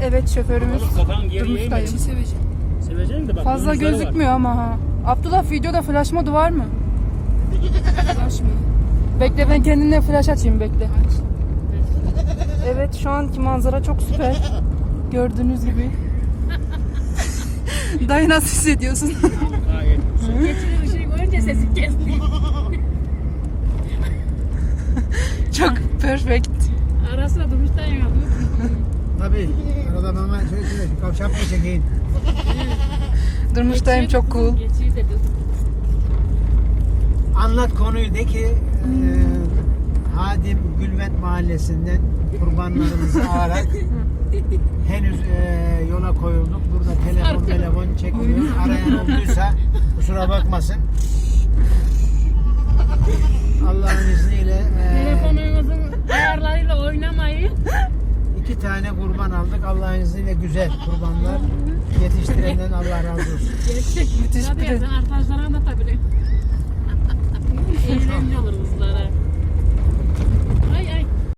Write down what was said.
Evet, şoförümüz Kafan geriye Durmuş'tayım. Seveceğim de bak. Fazla domuzları var. gözükmüyor ama ha. Abdullah, videoda flash modu var mı? Flash mı? Bekle, ben kendimle flash açayım, bekle. Evet, şu anki manzara çok süper. Gördüğünüz gibi. Dayı nasıl hissediyorsun? Gayet. Geçici ışığı görünce sesi kesti. Çok perfect. Ara sıra Durmuş'tan yandı. Tabii. Arada mama şöyle kavşak mı çekeyim? Durmuş'tayım, çok cool. Geçici dedi. Anlat konuyu de ki Hadim Gülvent Mahallesi'nden kurbanlarımızı alarak henüz yola koyulduk. Burada telefon çekmiyor. Arayan olduysa kusura bakmasın. Allah'ın izniyle Telefonunuzun ayarlarıyla oynamayın. 2 tane kurban aldık. Allah'ın izniyle güzel kurbanlar. Yetiştirenden Allah razı olsun. Gerçek. Müthiş Tabii bir de. ya, sen arkadaşlara